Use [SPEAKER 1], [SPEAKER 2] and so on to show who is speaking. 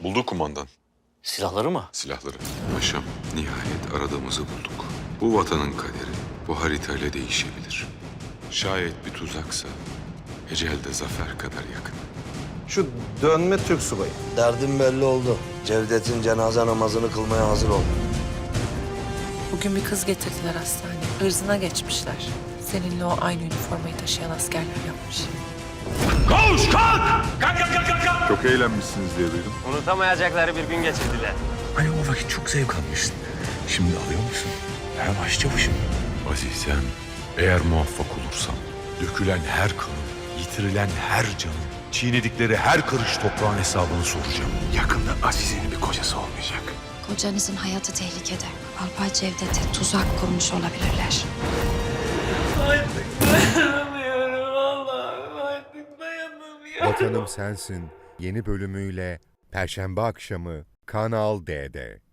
[SPEAKER 1] Buldu kumandan.
[SPEAKER 2] Silahları mı?
[SPEAKER 1] Silahları. Paşam, nihayet aradığımızı bulduk. Bu vatanın kaderi bu haritayla değişebilir. Şayet bir tuzaksa ecel de zafer kadar yakın.
[SPEAKER 3] Şu dönme Türk subayı.
[SPEAKER 4] Derdim belli oldu. Cevdet'in cenaze namazını kılmaya hazır ol.
[SPEAKER 5] Bugün bir kız getirdiler hastaneye. Irzına geçmişler. Seninle o aynı üniformayı taşıyan askerler yapmış.
[SPEAKER 6] Çok eğlenmişsiniz diye duydum.
[SPEAKER 7] Unutamayacakları bir gün geçirdiler.
[SPEAKER 8] Hani o vakit çok zevk almışsın. Şimdi alıyor musun? Her başçavuşum.
[SPEAKER 1] Azizem, eğer muvaffak olursam dökülen her kanın, yitirilen her canın, çiğnedikleri her karış toprağın hesabını soracağım.
[SPEAKER 8] Yakında Azize'nin bir kocası olmayacak.
[SPEAKER 9] Kocanızın hayatı tehlikede. Alpay Cevdet'e tuzak kurmuş olabilirler.
[SPEAKER 10] Vatanım Sensin yeni bölümüyle Perşembe akşamı Kanal D'de.